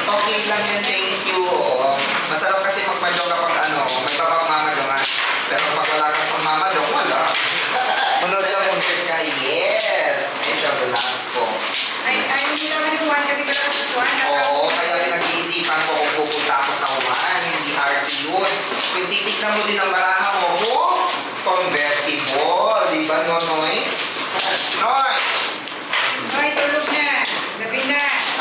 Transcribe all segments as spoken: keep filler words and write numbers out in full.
Okay lang yan, thank you. Oo. Masarap kasi magmadyo kapag ano, may babang mamadyo nga. Pero pag wala kang pang mamadyo, wala. Manood lang yung ka, yes! Ito, Velasco. Ay, ay, hindi naman yung one kasi pala sa one. Oo, kaya pinag-iisipan ko kung pupunta ako sa one, hindi R T yun. Kung titignan mo din ang baraha mo, oh, convertible, di ba, Nonoy? Noy! Hoy, tulog na. Gabi na.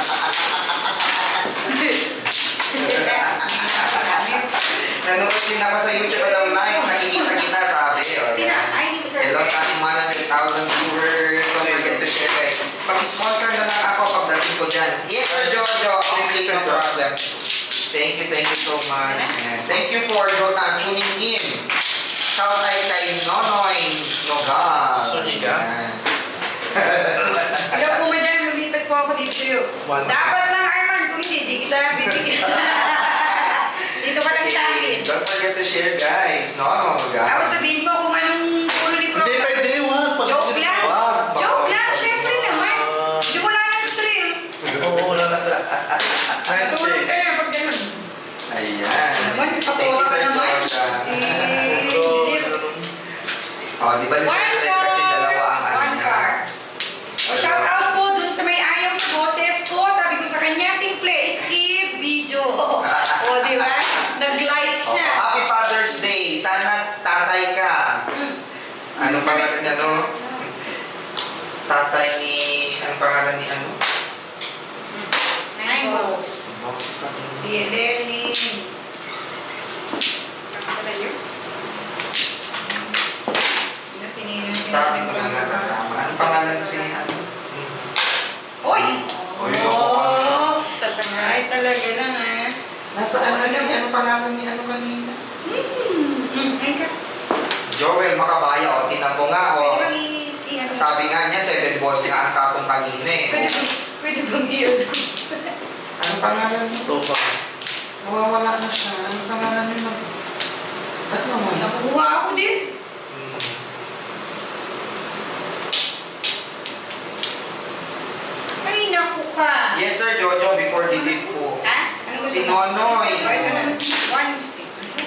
Nanonood din ako sa YouTube at ang nice, nakikita kita, sabi. O, Sino? yan. Ay, hindi ko sabi. Hello sa ating one hundred thousand viewers. Don't forget to share, guys. Pag-sponsor na lang ako pagdating ko dyan. Yes, Sir Jojo. Okay, no problem. Thank you, thank you so much. And thank you for Jota tuning in. Shout out kay Nonoy Nogal. Suniga. Yan. Hello po, madam. Lumipat po ako dito sa'yo. One. Dapat lang, Arman. Kung hindi, di kita bibigyan. Dito ka lang sa akin. Don't forget to share, guys. Nono Nogal. Tapos sabihin mo kung anong ulo ni Pro. Hindi pwede, wag. Pag- Joke lang. Wag. Joke lang. Siyempre naman. Hindi mo lang ng thrill. Oo, wala na. Nice Tulog check. ka na pag ganun. Ayan. Naman, Thank patuwa you, ka Sir naman. Jojo. Si... Oh, di ba si Sir One Fred car. kasi dalawa ang ano One niya? car. O, shout out po dun sa may ayaw sa boses ko. Sabi ko sa kanya, simple, skip video. O, di ba? Nag-like Oh, siya. Happy Father's Day! Sana tatay ka. Mm. Ano pangalan niya, no? Tatay ni... Anong pangalan ni ano? Nine balls. Dielelin. Sabi ko na nga tama. Anong pangalan kasi ni ano? Hoy! Hoy, Oh! Tatamay talaga lang eh. Nasaan na siya? Anong pangalan ni ano kanina? Hmm. Hmm. Ayun ka. Joel Makabaya, o. Tinan mo nga, o. Pwede bang i- i- ano? Sabi nga niya, seven balls nga ang tapong kanina, eh. Pwede bang, pwede bang i- Anong pangalan niya? Ito pa. Nawawala na siya. Anong pangalan niya? Ba't naman? Nakuha ako din. Hmm. Ay, naku ka. Yes, Sir Jojo, before the fifth po. Ha? Ano gusto Si mo? Nonoy. Ay, ito na. One stick.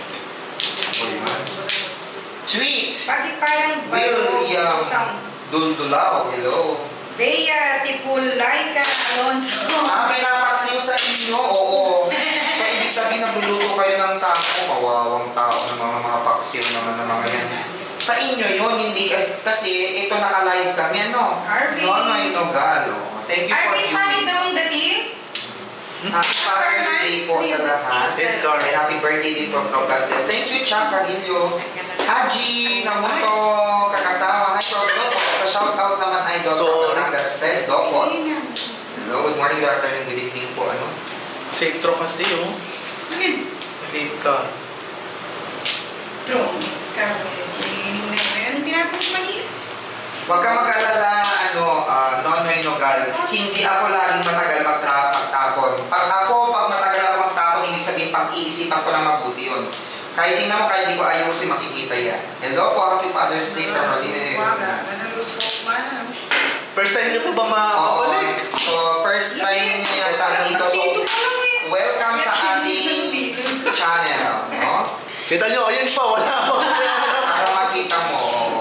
Sweet! Bakit parang William sound? Duldulaw, hello. Bea Tipulaika Alonso. Ah, pinapaksiw sa inyo, oo. So, ibig sabihin nagluluto kayo ng taco, kawawang tao ng mga mga paksiw naman ng mga yan. Sa inyo yun, hindi kasi, kasi ito naka-live kami, ano? Arvin. Nonoy Nogalo. Thank you for Arvin, viewing. pangit daw ang dating. Happy Father's Day po sa lahat. Edgar. And happy birthday din po, Pro God bless. Thank you, Chaka Hilio. Haji, Namuto, Kakasawa. Hi, Pro po. Pa-shoutout naman, Idol. Sorry. Panagas, Fred, Dokot. Ayun na. Hello, good morning, good afternoon, good evening po. Ano? Safe throw kasi, oh. Ano yun? Late ka. Drone. Karinig na yun. Anong tinapos mo kanina? Huwag ka mag-alala, ano, uh, Nonoy Nogal. Hindi ako laging matagal magta- magtapon. Pag ako, pag matagal ako magtapon, ibig sabihin, pag-iisipan ko na mabuti yun. Kahit tingnan mo, kahit di ko ayusin, makikita yan. Hello po, Happy Father's Day from Rodine. Waga. Ganang lusok man. First time niyo po ba Oo. makakabalik? So, first time niya yata dito. So, Dito pa lang eh. welcome sa ating channel, no? Kita niyo, ayun pa, wala pa. Para makita mo.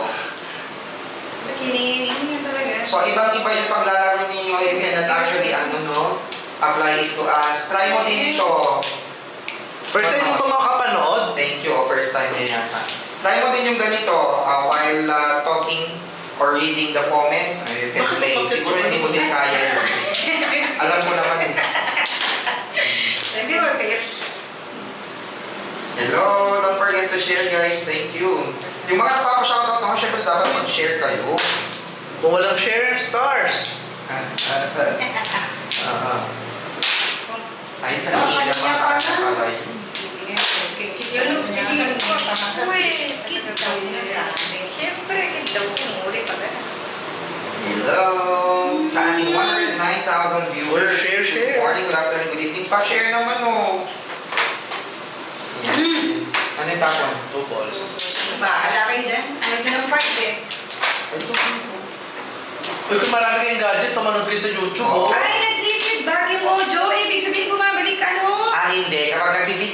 Kininig niya talaga. So, ibang-iba yung paglalaro ninyo. You cannot actually, ano, no? Apply it to us. Try mo din ito. First time niyo ba makakapanood? Thank you. Oh, first time niya yata. Try mo din yung ganito uh, while uh, talking or reading the comments. Uh, you can play. Siguro hindi mo din kaya. Alam mo naman eh. Sabi mo, Piers. Hello! Don't forget to share, guys. Thank you. Yung mga napapa-shoutout ako, syempre dapat mag-share kayo. Kung walang share, stars. Ah. Ay, talaga siya masakit na pala yun. Yung kinig ko, uy, kita na grabe. Siyempre, kita ko, umuli pa ka. Hello! Sa ating one hundred nine thousand viewers. Share, share. Good morning, good afternoon, good evening. Pa-share naman, oh. Yan. Ano yung tapon? Two balls. Bahala kayo dyan. Ayaw nyo ng fight eh. Ito. Uy, kung marami kayong gadget, tumanod kayo sa YouTube, oh. Ay, nag-feedback yung audio. Ibig sabihin, bumabalik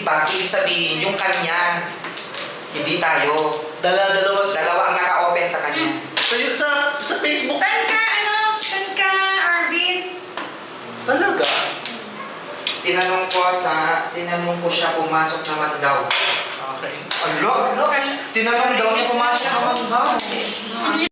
impact, ibig sabihin, yung kanya, hindi tayo. Dala-dalawa sa... Dalawa ang naka-open sa kanya. So, yun, sa, sa Facebook. Saan ka, ano? Saan ka, Arvin? Talaga? Tinanong ko sa, tinanong ko siya pumasok naman daw. Okay. Alo? Hello, Tinanong daw niya pumasok naman daw. Yes, no.